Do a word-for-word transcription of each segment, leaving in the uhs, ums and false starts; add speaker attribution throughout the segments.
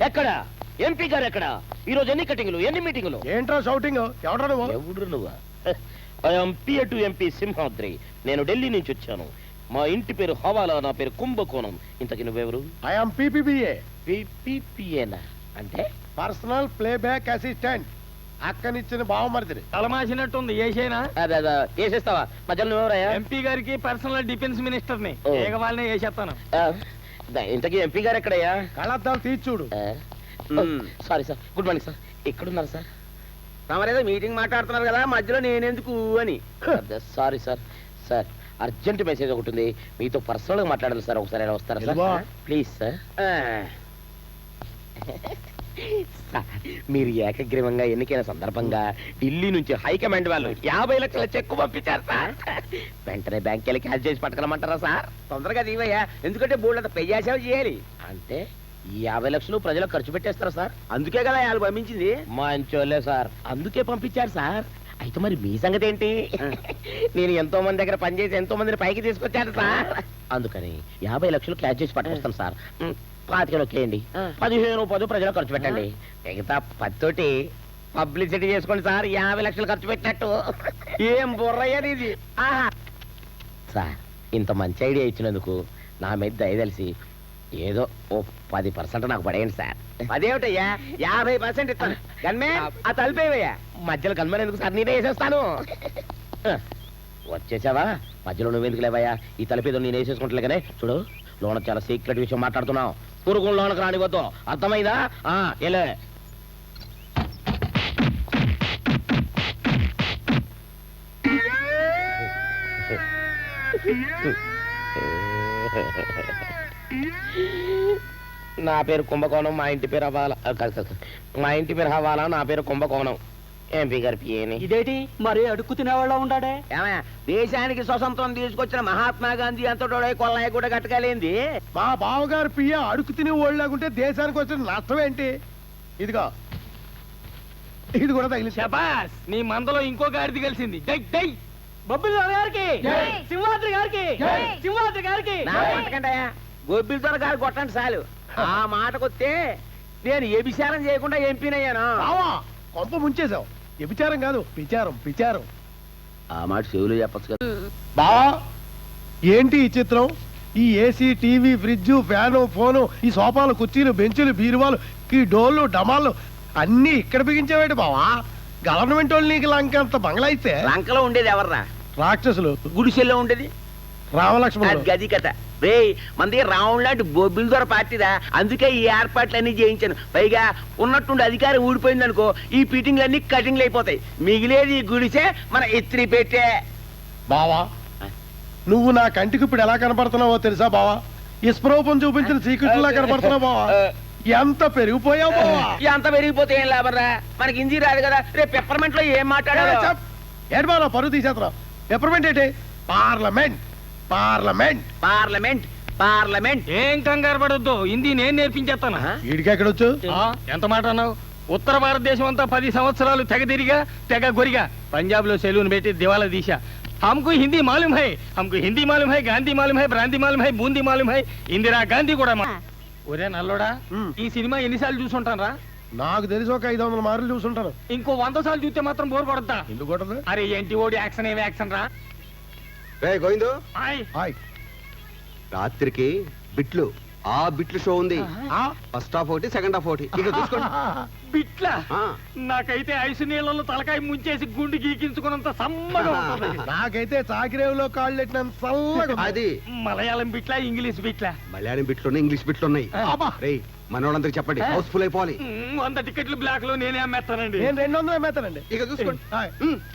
Speaker 1: ఎక్కడ ఎంపీ గారు ఎక్కడ? ఈ రోజు ఎన్ని కటింగ్లు, ఎన్ని మీటింగులు?
Speaker 2: ఏంట్రా షౌటింగ్? ఎవడ్రా నువ్వు?
Speaker 1: ఎవడు నువ్వా? I'm PA to MP Simhadri. నేను ఢిల్లీ నుంచి వచ్చాను. మా ఇంటి పేరు హవాలా, నా పేరు కుంభకోణం. ఇంతకి నువ్వెవరు?
Speaker 2: I'm PPBA.
Speaker 1: పీపీపీఏనా అంటే?
Speaker 2: Personal playback assistant. అక్కనిచ్చిన బావమరిదిని.
Speaker 3: తలమాసినట్టుంది ఏసేనా?
Speaker 1: వేసేస్తావా? మధ్యలో నువ్వెవరయ్యా?
Speaker 3: ఎంపీ గారికి పర్సనల్ డిఫెన్స్ మినిస్టర్ ని.
Speaker 1: ఓ.
Speaker 3: ఏక వాళ్ళనే వేసేస్తాను.
Speaker 1: ఇంతకీ ఎంపీ గారు ఎక్కడయ్యా?
Speaker 2: కళ్ళద్దాలు తీసి చూడు.
Speaker 1: Sorry sir, good morning sir. ఎక్కడున్నారు సార్?
Speaker 4: తమరేదో మీటింగ్ మాట్లాడుతున్నారు కదా, మధ్యలో నేనెందుకు అని.
Speaker 1: Sorry sir. Sir urgent message ఒకటి ఉంది, మీతో పర్సనల్ గా మాట్లాడాలి సార్. ఒకసారి ఎలా వస్తారా
Speaker 2: ఇదిగో.
Speaker 1: సార్? Please sir. సార్, మీరు ఏకగ్రీవంగా ఎన్నికైన సందర్భంగా ఢిల్లీ నుంచి హైకమాండ్ వాళ్ళు యాభై లక్షల చెక్కు పంపించారు సార్. వెంటనే బ్యాంక్ వెళ్ళి క్యాష్ చేసి పట్టుకోమంటారా సార్?
Speaker 4: తొందరగా దీవయ్యా, ఎందుకంటే బోల్డ్ అంత పెయ్యాసేవ చేయాలి.
Speaker 1: అంటే ఈ యాభై లక్షలు ప్రజలకు ఖర్చు పెట్టేస్తారా సార్?
Speaker 4: అందుకే కదా వాళ్ళు పంపించింది.
Speaker 1: మంచోళ్ళే సార్, అందుకే పంపించారు సార్. అయితే మరి మీ సంగతి ఏంటి? నేను ఎంతో మంది దగ్గర పనిచేసి ఎంతో మందిని పైకి తీసుకొచ్చాను సార్. అందుకని యాభై లక్షలు క్యాష్ చేసి పట్టుకొస్తాను సార్. పాతికలు ఒకేయండి, పదిహేను పది ప్రజలు ఖర్చు పెట్టండి. మిగతా పత్తోటి పబ్లిసిటీ చేసుకోండి సార్. యాభై లక్షలు ఖర్చు పెట్టినట్టు.
Speaker 4: ఏం బుర్రయ్యది ఇది.
Speaker 1: సార్, ఇంత మంచి ఐడియా ఇచ్చినందుకు నా మీద దయదలిసి ఏదో ఓ పది పర్సెంట్ నాకు పడేయండి సార్.
Speaker 4: అదేమిటయ్యా, యాభై పర్సెంట్ ఇస్తాను. గన్మే ఆ తలిపేవయ్యా.
Speaker 1: మధ్యలో కనుమని ఎందుకు సార్? నేనే వేసేస్తాను. వచ్చేసావా? మధ్యలో నువ్వెందుకు లేవయ్యా? ఈ తలపేదో నేను వేసేసుకుంటలేగానే. చూడు, లోన చాలా సీక్రెట్ విషయం మాట్లాడుతున్నావు. పురుగు లోనకు రానివద్దు, అర్థమైందా? ఎలా నా పేరు కుంభకోణం, మా ఇంటి పేరు హవాలా. మా ఇంటి పేరు హవాలా, నా పేరు కుంభకోణం. ఎంపీ గారి పిఏని.
Speaker 3: ఇదేంటి మరి అడుక్కు తినేవాళ్ళ ఉండాడే?
Speaker 4: ఏమయ్యా, దేశానికి స్వతంత్రం తీసుకొచ్చిన మహాత్మా గాంధీ అంతటోడే కొల్లాయి కూడా కట్టగలేంది.
Speaker 2: మా బావగారు పియ్య అడుగు తిని ఓళ్ళకుంటే దేశానికి వచ్చిన నష్టం ఏంటి? ఇదిగో, ఇది కూడా తగిలి.
Speaker 3: శబాస్, నీ మందలో ఇంకో గాడిది కలిసింది. డై డై బొబ్బిలి గారికి, సింహాద్రి గారికి, సింహాద్రి గారికి.
Speaker 4: నా కొట్టకండియా, గొబ్బిలి త్వర గారు కొట్టండి చాలు. ఆ మాటకొస్తే నేను ఎభిచారం చేయకుండా ఎంపీనయ్యాను.
Speaker 2: బావా, కొంప ముంచేశావు. వ్యభిచారం కాదు, విచారం విచారం.
Speaker 1: ఆ మాట చెవులు చెప్పచ్చు కదా.
Speaker 2: బావా, ఏంటి ఈ చిత్రం? ఈ AC, TV, fridge, fan, phone, ఈ సోఫాలు, కుర్చీలు, బెంచులు, బీరువాలు, ఈ డోళ్ళు, డమాళ్ళు అన్ని ఇక్కడ బిగించేవాడు బావా. గవర్నమెంట్ వాళ్ళు నీకు లంకంత బంగ్లా ఇస్తే
Speaker 4: లంకలో ఉండేది ఎవర్రా?
Speaker 2: రాక్షసులు.
Speaker 4: గుడిసెల్లో ఉండేది
Speaker 2: రామలక్ష్మణుడు.
Speaker 4: గది కథ రే. మంది రావణ్ లాంటి బొబ్బిల్ దొర పార్టీదా, అందుకే ఈ ఏర్పాట్లన్నీ చేయించాను. పైగా ఉన్నట్టుండి అధికారం ఊడిపోయింది అనుకో, ఈ ఫిట్టింగ్లన్నీ కటింగ్లు అయిపోతాయి. మిగిలేది ఈ గుడిసే మన ఎత్తిరి పెట్టే.
Speaker 2: బావా, నువ్వు నా కంటికి ఇప్పుడు ఎలా కనపడుతున్నావో తెలుసా బావా? ఇస్ప్రూపం చూపించిన శ్రీకృష్ణులా కనపడుతున్నావు బావా. ఎంత పెరిగిపోయావు బావా.
Speaker 4: ఎంత పెరిగిపోతే ఏం లాభరా? మనకి హిందీ రాదు కదా. రేపు పెప్పర్మెంట్ లో ఏం మాట్లాడాలి?
Speaker 2: ఏంటి బావా పరువు తీసేస్తున్నావు? పెప్పర్మెంట్ ఏంటి? Parliament parliament
Speaker 4: parliament parliament.
Speaker 3: ఏం కంగారు పడొద్దు, హిందీ నేను నేర్పించేస్తాను.
Speaker 2: వీడికి ఎక్కడొచ్చు?
Speaker 3: ఎంత మాట అన్నావు? ఉత్తర భారతదేశం అంతా పది సంవత్సరాలు తెగ తిరిగా తెగ గొరిగా పంజాబ్ లో సెలూన్ పెట్టి దివాలా తీసా. हमको हिंदी मालूम है, हमको हिंदी मालूम है, गांधी मालूम है, ब्रांति मालूम है, बूंदी मालूम है, इंदिरा गांधी కూడా. ఒరే నల్లోడా, ఈ సినిమా ఎన్నిసార్లు చూసుంటాను రా?
Speaker 2: నాకు తెలిసి ఒక ఐదు వందల మార్లు చూసుంటాను.
Speaker 3: ఇంకో వంద సార్లు చూస్తే మాత్రం బోర్ కొడతా.
Speaker 2: ఎందుకు కొట్టదు?
Speaker 3: అరే ఏంటి ఓడి యాక్షన్ ఏమి యాక్షన్ రా.
Speaker 5: గోవిందు,
Speaker 3: ఆయ్
Speaker 5: రాత్రికి బిట్లు ఆ బిట్లు షో ఉంది. ఫస్ట్ హాఫ్ ఒకటి, సెకండ్ హాఫ్ ఒకటి. ఇక చూసుకోండి.
Speaker 3: బిట్లా?
Speaker 5: ఆ.
Speaker 3: నాకైతే ఐసు నీళ్ళలో తలకాయ ముంచేసి గుండు గీకించుకున్నంత సమ్మగా ఉంటుంది.
Speaker 2: నాకైతే చాకిరేవులో కాళ్ళు పెట్టినంత చల్లగా ఉంది.
Speaker 5: అది
Speaker 3: మలయాళం బిట్లా, ఇంగ్లీష్ బిట్లా?
Speaker 5: మలయాళం బిట్లు ఉన్నాయి, ఇంగ్లీష్ బిట్లు ఉన్నాయి. రే, మనోళ్ళందరికి చెప్పండి, హౌస్ఫుల్ అయిపోవాలి.
Speaker 3: మ్, వంద టికెట్లు బ్లాక్ లో నేనే అమ్మేస్తానండి.
Speaker 2: నేను రెండు వందలు అమ్మేస్తానండి.
Speaker 5: ఇక చూసుకోండి.
Speaker 2: హాయ్.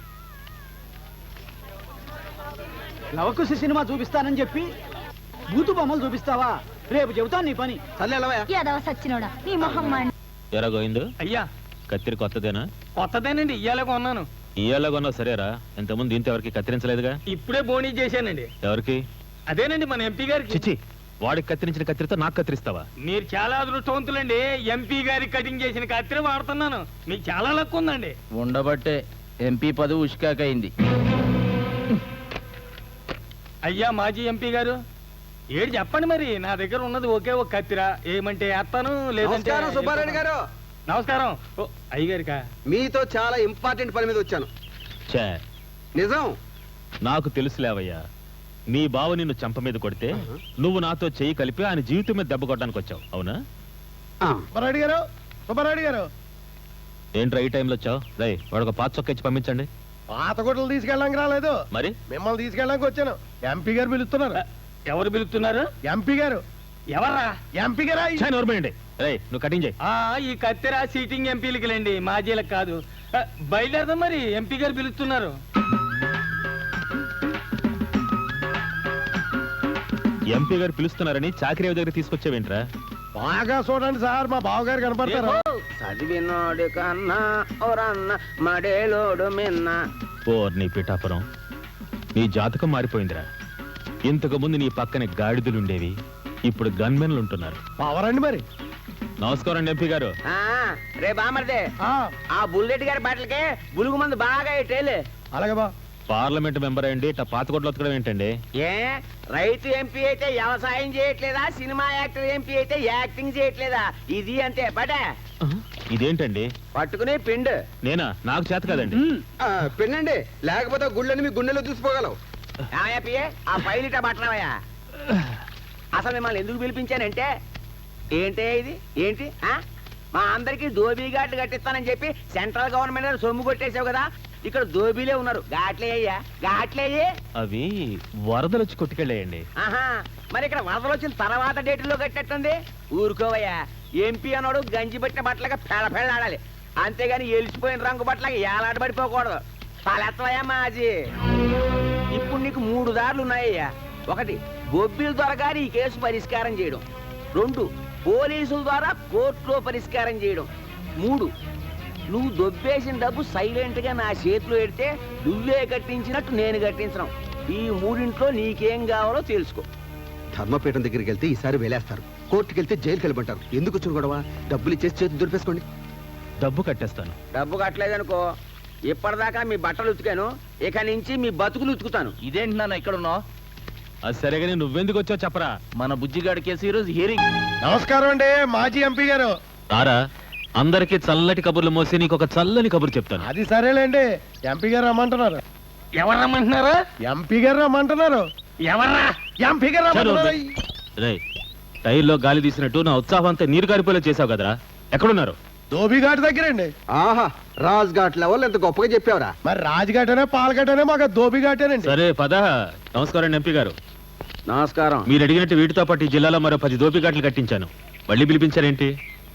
Speaker 6: లవకుశ సినిమా చూపిస్తానని చెప్పి బూతు బొమ్మలు చూపిస్తావా? రేపు చెబుతాను నీ పని.
Speaker 7: సచ్చినోడా నీ మొహం మాడి.
Speaker 8: ఎరా గోవిందు,
Speaker 3: అయ్యా
Speaker 8: కత్తిరి కొత్తదేనా?
Speaker 3: కొత్తదేనండి, ఇయ్యాలే కొన్నాను.
Speaker 8: ఇయ్యాల కొన్నావు సరేరా, ఇంతకుముందు దీంతో ఎవరికి కత్తిరించలేదుగా?
Speaker 3: ఇప్పుడే బోనీ చేశానండి.
Speaker 8: ఎవరికి?
Speaker 3: అదేనండి మన ఎంపీ గారికి.
Speaker 8: చిచ్చి, వాడికి కత్తిరించిన కత్తిరితో నాకు కత్తిరిస్తావా?
Speaker 3: మీరు చాలా అదృష్టవంతులండి. ఎంపీ గారి కటింగ్ చేసిన కత్తిరి వాడుతున్నాను. మీకు చాలా లక్ ఉందండి.
Speaker 6: ఉండబట్టే ఎంపీ పదవి ఉష్కాకైంది.
Speaker 3: అయ్యా మాజీ ఎంపీ గారు, ఏడు చెప్పండి మరి, నా దగ్గర ఉన్నది ఒకే ఒక కత్తిరా, ఏమంటే వేస్తాను లేదంటే
Speaker 5: నమస్కారం సుబ్బారెడ్డి గారు.
Speaker 3: నమస్కారం. ఓ అయ్యగారికా?
Speaker 5: మీతో చాలా ఇంపార్టెంట్ పని మీద వచ్చాను.
Speaker 8: ఛే,
Speaker 5: నిజం.
Speaker 8: నాకు తెలుసులేవయ్యా, నీ బావ నిన్ను చంప మీద కొడితే నువ్వు నాతో చెయ్యి కలిపి ఆయన జీవితం మీద దెబ్బ కొట్టడానికి వచ్చావు, అవునా?
Speaker 5: ఆ,
Speaker 2: సుబ్బారెడ్డి గారు సుబ్బారెడ్డి గారు
Speaker 8: ఏంట్రా ఈ టైంలో వచ్చావు? రై వాడు ఒక పాత చొక్క ఇచ్చి పంపించండి.
Speaker 2: పాత గుడ్డలు తీసుకెళ్ళడానికి రాలేదు,
Speaker 8: మరి
Speaker 2: మిమ్మల్ని తీసుకెళ్ళడానికి వచ్చాను. ఎంపీ గారు పిలుస్తున్నారు.
Speaker 3: ఎవరు పిలుస్తున్నారు?
Speaker 2: ఎంపీ గారు.
Speaker 3: ఎవర్రా?
Speaker 2: ఎంపీ గారా?
Speaker 8: ఛే, నోర్మేయండి. రై నువ్వు కటింగ్ చేయి.
Speaker 3: ఆ ఈ కత్తెర సీటింగ్ ఎంపీలకి లేండి, మాజీలకు కాదు. ఆ, బయలుదేరదాం మరి, ఎంపీ గారు పిలుస్తున్నారు.
Speaker 8: ఎంపీ గారు పిలుస్తున్నారని చాకరీ దగ్గర తీసుకొచ్చావేంట్రా?
Speaker 2: బాగా చూడండి సార్, మా బావగారు కనపడతారు.
Speaker 4: చదివినోడు కన్నా ఓరన్న మడేలోడు మిన్న.
Speaker 8: ఓ నీ పిఠాపురం, నీ జాతకం మారిపోయిందిరా. ఇంతకు ముందు నీ పక్కన గాడిదలుండేవి, ఇప్పుడు గన్మెన్లు ఉంటున్నారు.
Speaker 2: పవరండి మరి.
Speaker 8: నమస్కారం అండి ఎంపీ గారు.
Speaker 4: ఆ, రే బామర్దే,
Speaker 2: ఆ,
Speaker 4: ఆ బుల్లెట్ గారి బట్టలకి బులుగు మంది బాగా ఇట్టేలే.
Speaker 2: అలాగే బా.
Speaker 8: పార్లమెంట్ మెంబర్ అయ్యండి ఇట్లా పాతకొడ్లు వతకడం ఏంటండి?
Speaker 4: ఏ రైతు ఎంపీ అయితే వ్యవసాయం చేయట్లేదా, సినిమా యాక్టర్ ఎంపీ అయితే యాక్టింగ్ చేయట్లేదా? ఇది అంతే బట.
Speaker 8: ఇదేంటండి?
Speaker 4: పట్టుకునే పిండు.
Speaker 8: నేనా? నాకు చేత కదండి.
Speaker 5: ఆ, పెళ్ళండి, లేకపోతే గుళ్ళని మీ గుండెలో దూసిపోగలవు.
Speaker 4: ఏమయ్యా పిఏ, ఆ పైలిట బట్టలవయ్యా. అసలు మిమ్మల్ని ఎందుకు పిలిపించానంటే, ఏంటే ఇది ఏంటి ఆ? మా అందరికి దోబీ ఘాట్లు కట్టిస్తానని చెప్పి సెంట్రల్ గవర్నమెంట్ సొమ్ము కొట్టేసావు కదా, ఇక్కడ దోబీలే ఉన్నారు. ఘాట్లే అయ్యా, ఘాట్లేయే.
Speaker 8: అవి వరదలు వచ్చి కొట్టుకెళ్ళేయండి.
Speaker 4: ఆహా, మరి ఇక్కడ వరదలు వచ్చిన తర్వాత డేట్లో కట్టేట్టుంది. ఊరుకోవయ్యా, ఎంపీ అన్నాడు గంజి పట్టిన బట్టలుగా పెళ్ళ పెళ్ళాడాలి, అంతేగాని ఎలిసిపోయిన రంగు బట్టలకి ఏలాడబడిపోకూడదు. తలెత్తవయ్యా మాజీ. ఇప్పుడు నీకు మూడు దారులు ఉన్నాయ్యా. ఒకటి, బొబ్బిల ద్వారా ఈ కేసు పరిష్కారం చేయడం. రెండు, పోలీసుల ద్వారా కోర్టులో పరిష్కారం చేయడం. మూడు, నువ్వు దొబ్బేసిన డబ్బు సైలెంట్ గా నా చేతిలో పెడితే నువ్వే కట్టించినట్టు నేను కట్టించడం. ఈ మూడింట్లో నీకేం కావాలో తెలుసుకో.
Speaker 5: ధర్మపీఠం దగ్గరికి వెళ్తే ఈసారి వేలేస్తారు, కోర్టుకి వెళ్తే జైలుకి వెళ్ళమంటారు. ఎందుకు వచ్చిన గొడవ? డబ్బులు ఇచ్చేసి చేతి దులిపేసుకోండి.
Speaker 8: డబ్బు కట్టేస్తాను.
Speaker 4: డబ్బు కట్టలేదనుకో, ఇప్పటిదాకా మీ బట్టలు ఉతికాను, ఇక నుంచి మీ బతుకులు ఉతుకుతాను.
Speaker 3: ఇదేంటి నాన్న ఇక్కడ ఉన్నావు?
Speaker 8: అది సరేగాని నువ్వెందుకు వచ్చావు చెప్పరా?
Speaker 3: మన బుజ్జిగాడి కేసు ఈరోజు హియరింగ్.
Speaker 2: నమస్కారం అండి మాజీ ఎంపీ గారు.
Speaker 8: రారా, అందరికి చల్లటి కబుర్లు మోసి నీకు ఒక చల్లని కబురు చెప్తాను.
Speaker 2: అది సరేలేండి, ఎంపీ గారు రమ్మంటున్నారు.
Speaker 3: ఎవరు రమ్మంటున్నారా?
Speaker 2: ఎంపీ గారు రమ్మంటున్నారు.
Speaker 3: ఎవర్రా?
Speaker 2: ఎంపీ గారు రమ్మంటున్నారు.
Speaker 8: రేయ్, టైర్లో గాలి తీసినట్టు నా ఉత్సాహం అంతా నీరు కారిపోలే చేసావు కదరా. ఎక్కడున్నారు?
Speaker 2: ధోబీఘాట్ దగ్గరండి.
Speaker 5: ఆహా, రాజ్ ఘాట్ లెవెల్ ఎంత గొప్పగా చెప్పావురా.
Speaker 2: మరి రాజ్ఘాటనే పాలఘాటనే మాకు ధోబీఘాటేనండి.
Speaker 8: సరే పద. నమస్కారం అండి ఎంపీ గారు.
Speaker 4: నమస్కారం.
Speaker 8: మీరు అడిగినట్టు వీటితో పాటు ఈ జిల్లాలో మరో పది దోపిఘాట్లు కట్టించాను. మళ్ళీ పిలిపించారేంటి?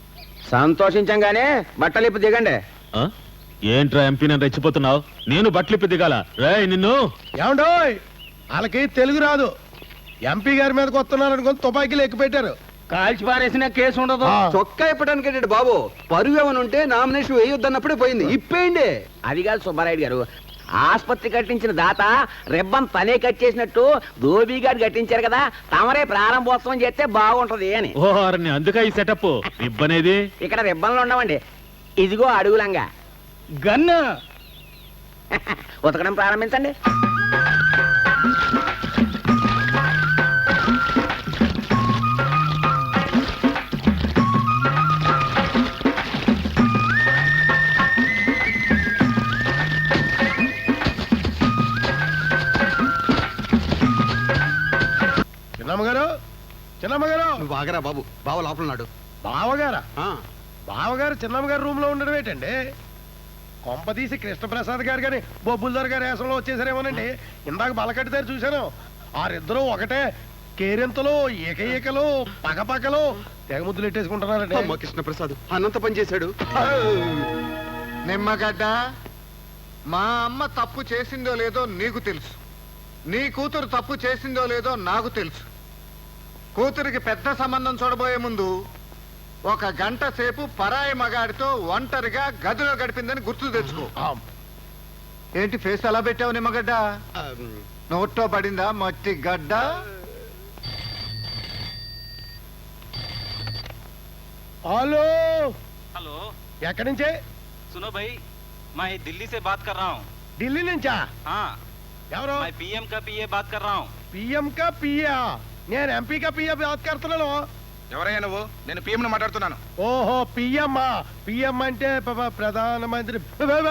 Speaker 4: సంతోషించంగానే బట్టలు ఇప్పు దిగండి.
Speaker 8: ఆ? ఏంట్రా ఎంపీ నన్ను రెచ్చిపోతున్నావు? నేను బట్టలిప్పి దిగాల? రేయ్ నిన్ను.
Speaker 2: ఏమండోయ్, వాళ్ళకి తెలుగు రాదు. ఎంపీ గారి మీదకి వస్తున్నారు అనుకుని తుపాకీలు ఎక్కువ పెట్టారు.
Speaker 3: కాల్చి పారేసిన కేసు ఉండదు.
Speaker 2: ఆ.
Speaker 5: చొక్కా ఇప్పడానికి ఏంటి బాబు? పరువు ఏమైనా ఉంటే నామినేషన్ వేయొద్దన్నప్పుడే పోయింది, ఇప్పేయండి.
Speaker 4: అది కాదు సుబ్బారాయుడు గారు, ఆసుపత్రి కట్టించిన దాత రిబ్బన్ తనే కట్ చేసినట్టు ధోబీ గారు కట్టించారు కదా, తమరే ప్రారంభోత్సవం చేస్తే బాగుంటది అని.
Speaker 8: ఓ అరణ్య, అందుక ఈ సెటప్. ఇబ్బనేది
Speaker 4: ఇక్కడ రిబ్బన్లు ఉండవండి, ఇదిగో అడుగులంగా.
Speaker 3: గన్ను
Speaker 4: ఉతకడం ప్రారంభించండి.
Speaker 2: చిన్నమ్మగారు, చిన్నమ్మగారు.
Speaker 5: నువ్వు ఆగరా బాబు, బావ లోపల ఉన్నాడు.
Speaker 2: బావగారా?
Speaker 5: ఆ,
Speaker 2: బావగారు చిన్నమ్మగారు రూమ్ లో ఉండడం ఏంటండి? కొంపదీసి కృష్ణప్రసాద్ గారు కానీ బొబ్బుల్దార్ గారి వేసంలో వచ్చేసారేమోనండి. ఇందాక బలకట్టి దగ్గర చూశాను, వారిద్దరూ ఒకటే కేరింతలు, ఏకైకలు, పగపగలు తెగ ముద్దులు ఎట్టేసుకుంటున్నారండి.
Speaker 5: అమ్మ కృష్ణప్రసాద్ అనంత పని చేశాడు.
Speaker 9: నిమ్మగడ్డ, మా అమ్మ తప్పు చేసిందో లేదో నీకు తెలుసు, నీ కూతురు తప్పు చేసిందో లేదో నాకు తెలుసు. కూతురికి పెద్ద సంబంధం చూడబోయే ముందు ఒక గంట సేపు పరాయి మగాడితో ఒంటరిగా గదిలో గడిపిందని గుర్తు తెచ్చుకో. ఏంటి ఫేస్ అలా పెట్టావు నిమ్మగడ్డ?
Speaker 5: ఆ,
Speaker 9: నోట్లో పడిందా మట్టి గడ్డ?
Speaker 2: హలో,
Speaker 10: हेलो
Speaker 2: ఎక్కడి నుంచే?
Speaker 10: सुनो भाई, मैं दिल्ली से बात कर रहा हूँ.
Speaker 2: ఢిల్లీ నుంచా?
Speaker 10: हाँ,
Speaker 2: ఎవరు?
Speaker 10: मैं पीएम का पीए बात कर रहा हूँ.
Speaker 2: పిఎం కా పియా? నేను ఎంపీగా పిఎం కడుతున్నాను.
Speaker 9: ఎవరయ్యా నువ్వు? నేను పిఎం మాట్లాడుతున్నాను.
Speaker 2: ఓహో పిఎం పిఎం అంటే ప- ప్రధానమంత్రి.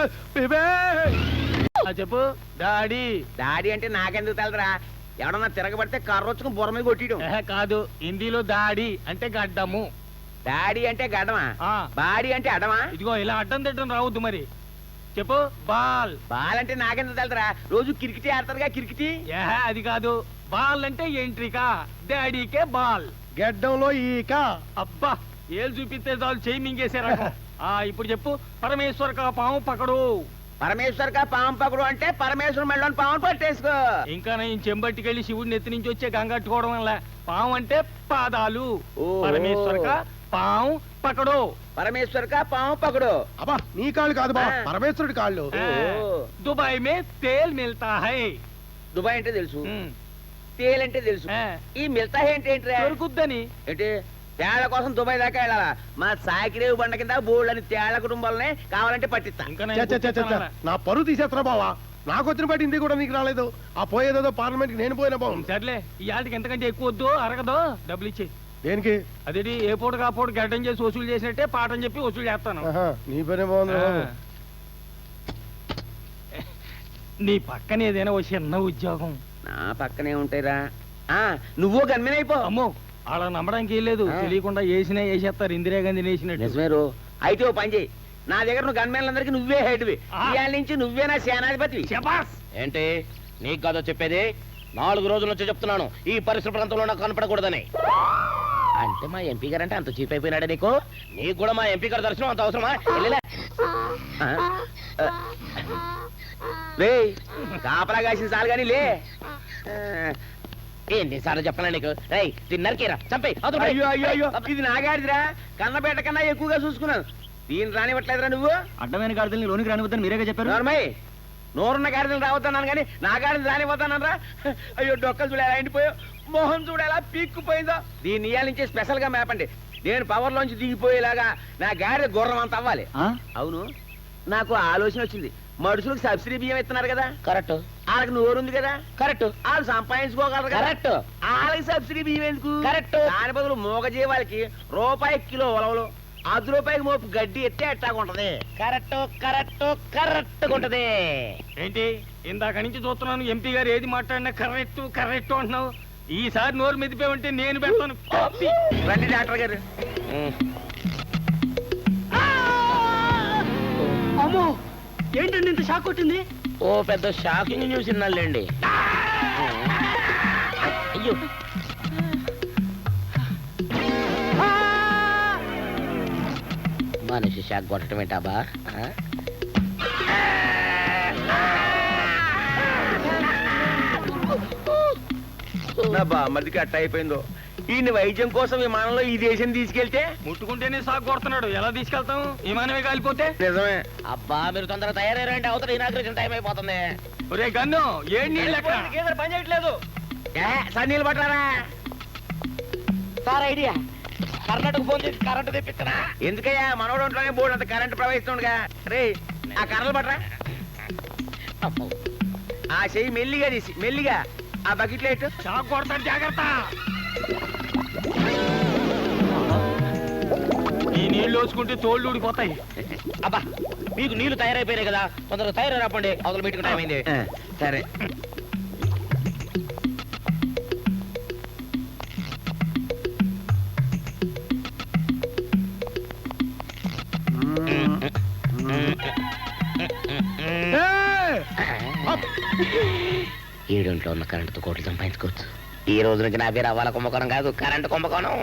Speaker 3: ఆ, చెప్పు డాడీ.
Speaker 4: డాడీ అంటే నాకెందుకు తెలదరా? ఎవడన్నా తిరగబడితే కర్ర వచ్చుకుని బుర్ర మీద కొట్టియడం.
Speaker 3: ఏహే, కాదు, హిందీలో దాడి అంటే గడ్డము.
Speaker 4: డాడీ అంటే గడ్డమా,
Speaker 3: ఆ,
Speaker 4: బాడీ అంటే అడమా?
Speaker 3: ఇదిగో ఇలా అడ్డం తిట్టడం రావద్దు మరి. చెప్పు బాల్.
Speaker 4: బాల్ అంటే నాకెందుకు తెలదరా? రోజు కిరికిటి ఆడతారుగా కిరికిటి.
Speaker 3: ఏహే, అది కాదు. బాల్ అంటే ఎంట్రీకా, డాడీకే బాల్.
Speaker 2: గెడ్డంలో ఈక.
Speaker 3: అబ్బా, ఏళ్ళు చూపిస్తే చాలు చేయి మింగేసే రకం. ఆ, ఇప్పుడు చెప్పు పరమేశ్వర్ కా పాము పకడు.
Speaker 4: పరమేశ్వర్ కా పాము పకడు అంటే పరమేశ్వరం మెళ్ళని పాము పట్టేసుకో.
Speaker 3: ఇంకా నేను చెంబట్టికెళ్ళి శివుడిని ఎత్తి నుంచి వచ్చే గంగట్టుకోవడం వల్ల పాము అంటే పాదాలు.
Speaker 4: ఓహో.
Speaker 3: పరమేశ్వర్ కా పాము పకడు.
Speaker 4: పరమేశ్వర్ కా పాము పకడు.
Speaker 2: అబ్బా నీ కాళ్ళు కాదు బా,
Speaker 4: ఆ.
Speaker 2: పరమేశ్వరుడి కాళ్ళు.
Speaker 3: ఆ,
Speaker 4: ఓ.
Speaker 3: దుబాయ్ మే తేల్ మిల్తా హై.
Speaker 4: దుబాయ్ అంటే తెలుసు,
Speaker 3: ఉమ్,
Speaker 4: తేలంటే తెలుసు.
Speaker 3: ఆ,
Speaker 4: ఈ మిగతా ఏంటి ఏంటి
Speaker 3: దొరుకుద్దని.
Speaker 4: ఏంటి తేళ్ల కోసం దుబాయ్ దాకా వెళ్ళాలా? మా సాకిరేవు బండ కింద బోల్డ్ అని తేళ్ల కుటుంబాలనే కావాలంటే పట్టిస్తా.
Speaker 3: ఇంకా
Speaker 2: చ,
Speaker 3: నేను
Speaker 2: చ, చ, చ, చ.
Speaker 3: కూర్చున్నానా?
Speaker 2: నా పరువు తీసేస్తున్నా బావా. నాకు వచ్చిన బట్టి హిందీ కూడా నీకు రాలేదు. ఆ పోయేదేదో పార్లమెంట్ కి నేను పోయినా బాగుంది.
Speaker 3: సర్లే, ఈ ఆటికి ఎంతకంటే ఎక్కువ వద్దు, అరగదు. డబ్బులు ఇచ్చి
Speaker 2: దేనికి?
Speaker 3: అదేంటి ఏ పూట కా పూట గడ్డం చేసి వసూలు చేసినట్టే పాఠం చెప్పి వసూలు చేస్తాను.
Speaker 2: ఆహా, నీ పనే బాగుంది బాబు.
Speaker 3: ఆ. నీ పక్కన ఏదైనా ఓ చిన్న ఉద్యోగం.
Speaker 4: నా పక్కనే ఉంటాయిరా. ఆ నువ్వు గన్మెన్
Speaker 3: అమ్మో, అలా నమ్మడానికి ఏం లేదు.
Speaker 4: ఆ.
Speaker 3: తెలియకుండా వేసినా వేసేస్తారు, ఇందిరాగాంధీ వేసినట్టు.
Speaker 4: నిజమే రో. అయితే ఓ పని చేయి, నా దగ్గర నువ్వు గన్మెన్లందరికీ నువ్వే హెడ్వి.
Speaker 3: ఆ.
Speaker 4: ఇవాళ నుంచి నువ్వే నా సేనాధిపతి.
Speaker 3: శబాస్.
Speaker 1: ఏంటి నీకు కాదో చెప్పేది? నాలుగు రోజుల నుంచి చెప్తున్నాను ఈ పరిసర ప్రాంతంలో నాకు కనపడకూడదని. అంటే మా ఎంపీ గారు అంటే అంత చీప్ అయిపోయినాడే నీకు? నీకు కూడా మా ఎంపీ గారి దర్శనం అంత అవసరమా? వెళ్ళిలే.
Speaker 4: ఆ? ఆ. రేయ్, కాపలా కాసిన చాలు కానీ లే. ఆ.
Speaker 1: ఎన్నిసార్లు చెప్పనా నీకు? రేయ్ తిన్నరకేరా చంపే.
Speaker 4: అయ్యో అయ్యో అయ్యో, ఇది నాగాడిదిరా. కన్నపేట కన్నా ఎక్కువగా చూసుకున్నాను. దీన్ని రానివ్వట్లేదురా నువ్వు.
Speaker 6: అడ్డమైన గాడిదల్ని లోనికి రానివద్దని మీరేగా చెప్పారు.
Speaker 4: నోర్మయ్, నోరున్న గాడిదలు రావద్దన్నాను కానీ నా గాడిని రానివ్వద్దన్నారా? అయ్యో డొక్కలు చూడ ఎలా ఎండిపోయో, మోహన్ చూడ ఎలా పీక్కుపోయిందో. దీన్ని ఇయ్యాల నుంచి స్పెషల్ గా మేపండి. నేను పవర్ లోంచి దిగిపోయేలాగా నా గాడిద గుర్రం అంత అవ్వాలి. అవును, నాకు ఆలోచన వచ్చింది. మనుషులకు సబ్సిడీ బియ్యం ఇస్తున్నారు కదా,
Speaker 1: కరెక్ట్
Speaker 4: వాళ్ళకి నోరుంది కదా,
Speaker 1: కరెక్ట్
Speaker 4: వాళ్ళు సంపాదించుకోగలరు కదా.
Speaker 1: కరెక్ట్
Speaker 4: వాళ్ళకి సబ్సిడీ బియ్యం ఎందుకు?
Speaker 1: కరెక్ట్.
Speaker 4: దాని బదులు మూగజీవాలకి రూపాయి కిలో ఉలవలు, అర్ధ రూపాయికి మోపు గడ్డి ఎత్తే ఎట్టాగుంటది.
Speaker 1: కరెక్ట్ కరెక్ట్ కరెక్ట్ ఉంటది.
Speaker 3: ఏంటి ఇందాక నుంచి చూస్తున్నాను, ఎంపీ గారు ఏది మాట్లాడినా కరెక్ట్ కరెక్ట్ అంటున్నావు. ఈసారి నోరు మెదిపే ఉంటే నేను పెడతాను కాపీ.
Speaker 4: రండి డాక్టర్ గారు.
Speaker 6: అమ్మో, ఏంటండి ఇంత షాక్ కొట్టింది?
Speaker 1: ఓ పెద్ద షాకింగ్ న్యూస్ విన్నాళ్ళండి. అయ్యో మనిషి షాక్ కొట్టడం ఏంటాబా?
Speaker 4: నా బామ్మదికి అట్ట అయిపోయిందో. ఈయన వైద్యం కోసం విమానంలో ఈ దేశం తీసుకెళ్తే
Speaker 3: ముట్టుకుంటేనే సాగు కొడుతున్నాడు, ఎలా తీసుకెళ్తాం? విమానమే కాలిపోతే.
Speaker 4: నిజమే.
Speaker 1: అబ్బా మీరు తొందరగా తయారయ్యారంటే అవతల ఇనాగ్రేషన్ టైం అయిపోతుంది.
Speaker 3: ఒరే గన్ను, ఏం నీళ్ళు ఎక్కడ?
Speaker 4: పని చేయట్లేదు. సన్నీళ్ళు పట్టారా?
Speaker 1: సార్ ఐడియా, కర్ణాటక ఫోన్ చేసి కరెంట్ తెప్పిస్తున్నా.
Speaker 4: ఎందుకయ్యా, మనోడు ఒంట్లోనే బోర్డు అంత కరెంట్ ప్రవహిస్తుండగా. రే ఆ కర్రలు పట్టరా.
Speaker 1: అమ్మో.
Speaker 4: ఆ చెయ్యి మెల్లిగా తీసి మెల్లిగా ఆ బకెట్ లైట్.
Speaker 3: షాక్ కొడతాడు, జాగ్రత్త. ఈ నీళ్లు వచ్చుకుంటే తోళ్ళు ఊడిపోతాయి.
Speaker 1: అబ్బా మీకు నీళ్లు తయారైపోయినాయి కదా, తొందరగా తయారై రాపండి, అవతల మీటింగ్ టైం అయింది.
Speaker 4: సరే.
Speaker 2: ఏయ్!
Speaker 1: ఏడింట్లో ఉన్న కరెంటుతో కోట్లు సంపాదించుకోవచ్చు. ఈ రోజు నుంచి నా పేరు అవ్వాల కుంభకోణం కాదు, కరెంటు కుంభకోణం.